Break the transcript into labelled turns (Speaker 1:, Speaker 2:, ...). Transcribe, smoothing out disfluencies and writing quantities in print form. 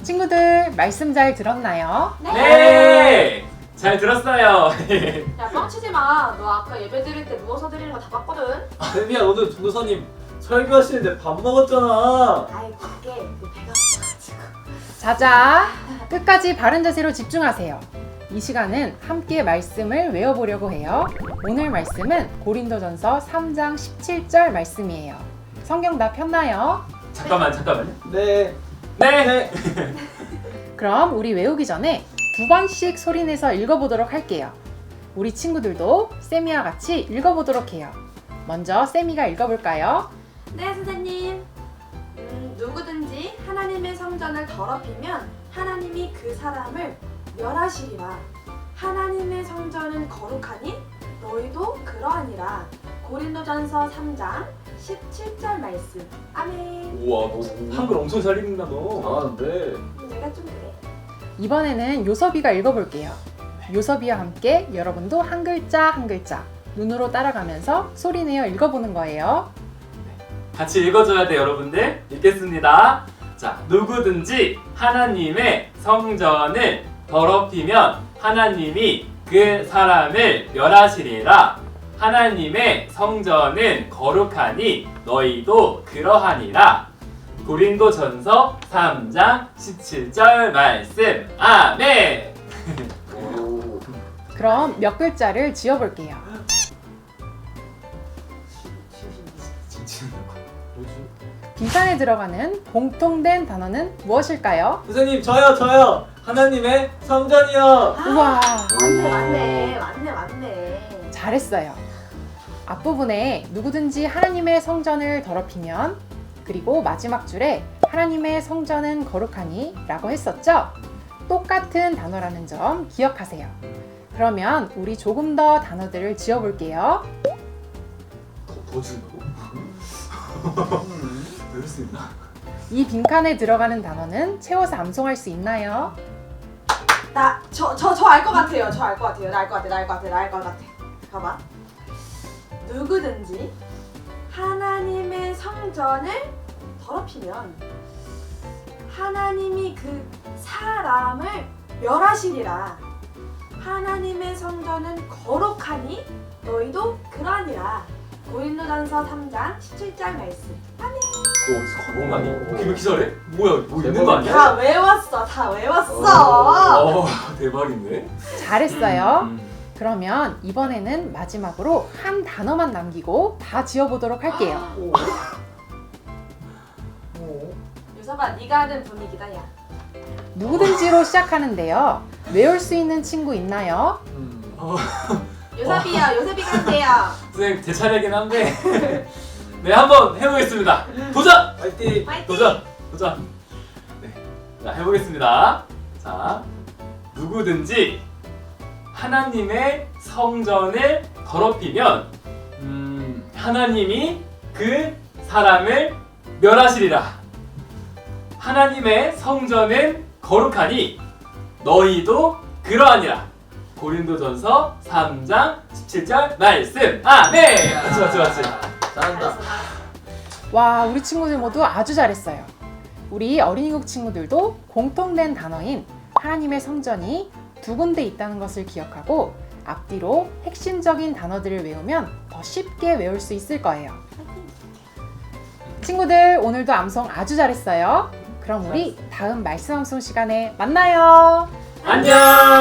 Speaker 1: 친구들 말씀 잘 들었나요?
Speaker 2: 네! 잘 들었어요.
Speaker 3: 야, 뻥치지 마. 너 아까 예배 드릴 때 누워서 드리는 거 다 봤거든.
Speaker 4: 쌤이야, 오늘 전도사님 설교하시는데 밥 먹었잖아.
Speaker 3: 아이, 그게 내 배가 고파가지고.
Speaker 1: 자자, 끝까지 바른 자세로 집중하세요. 이 시간은 함께 말씀을 외워보려고 해요. 오늘 말씀은 고린도전서 3장 17절 말씀이에요. 성경 다 폈나요?
Speaker 2: 잠깐만요.
Speaker 4: 네.
Speaker 2: 네!
Speaker 1: 그럼 우리 외우기 전에 2번씩 소리내서 읽어보도록 할게요. 우리 친구들도 쌤이와 같이 읽어보도록 해요. 먼저 쌤이가 읽어볼까요?
Speaker 3: 네, 선생님. 누구든지 하나님의 성전을 더럽히면 하나님이 그 사람을 멸하시리라. 하나님의 성전은 거룩하니 너희도 그러하니라. 고린도전서 3장 17절 말씀. 아멘.
Speaker 2: 우와, 너 한글 엄청 잘 읽는다, 너.
Speaker 4: 잘하는데.
Speaker 3: 내가 좀 그래.
Speaker 1: 이번에는 요섭이가 읽어볼게요. 요섭이와 함께 여러분도 한 글자 한 글자 눈으로 따라가면서 소리내어 읽어보는 거예요.
Speaker 2: 같이 읽어줘야 돼, 여러분들. 읽겠습니다. 자, 누구든지 하나님의 성전을 더럽히면 하나님이 그 사람을 멸하시리라. 하나님의 성전은 거룩하니 너희도 그러하니라. 고린도전서 3장 17절 말씀. 아멘.
Speaker 4: 오.
Speaker 1: 그럼 몇 글자를 지어볼게요.
Speaker 4: 뭐지?
Speaker 1: 빈칸에 들어가는 공통된 단어는 무엇일까요?
Speaker 4: 선생님, 저요. 하나님의 성전이요.
Speaker 1: 우와,
Speaker 3: 맞네.
Speaker 1: 잘했어요. 앞부분에 누구든지 하나님의 성전을 더럽히면, 그리고 마지막 줄에 하나님의 성전은 거룩하니 라고 했었죠? 똑같은 단어라는 점 기억하세요. 그러면 우리 조금 더 단어들을 지어볼게요.
Speaker 2: 더 준다고? 외울 수 있나?
Speaker 1: 이 빈칸에 들어가는 단어는 채워서 암송할 수 있나요?
Speaker 3: 저 알 것 같아요. 나 알 것 같아. 봐봐. 누구든지 하나님의 성전을 더럽히면 하나님이 그 사람을 멸하시리라. 하나님의 성전은 거룩하니 너희도 그러하니라. 고린도전서 3장 17절 말씀.
Speaker 2: 너 어디서 가본 거 아니야? 왜 이렇게 잘해? 뭐야, 뭐 있는 거 아니야?
Speaker 3: 다 외웠어.
Speaker 2: 대박인데?
Speaker 1: 잘했어요. 그러면 이번에는 마지막으로 한 단어만 남기고 다 지어보도록 할게요.
Speaker 3: 유서봐, 네가 하는 분위기다, 야.
Speaker 1: 누구든지로 시작하는데요. 외울 수 있는 친구 있나요?
Speaker 3: 요셉이가 한대요.
Speaker 2: 선생님, 제 차례긴 한데. 네, 한번 해보겠습니다. 도전!
Speaker 4: 파이팅.
Speaker 2: 도전! 네, 자, 해보겠습니다. 자, 누구든지 하나님의 성전을 더럽히면 하나님이 그 사람을 멸하시리라. 하나님의 성전은 거룩하니 너희도 그러하니라. 고린도전서 3장 17절 말씀. 아멘. 맞지.
Speaker 4: 잘한다.
Speaker 1: 와, 우리 친구들 모두 아주 잘했어요. 우리 어린이국 친구들도 공통된 단어인 하나님의 성전이 두 군데 있다는 것을 기억하고 앞뒤로 핵심적인 단어들을 외우면 더 쉽게 외울 수 있을 거예요. 친구들, 오늘도 암송 아주 잘했어요. 그럼 우리 다음 말씀 암송 시간에 만나요.
Speaker 2: 안녕.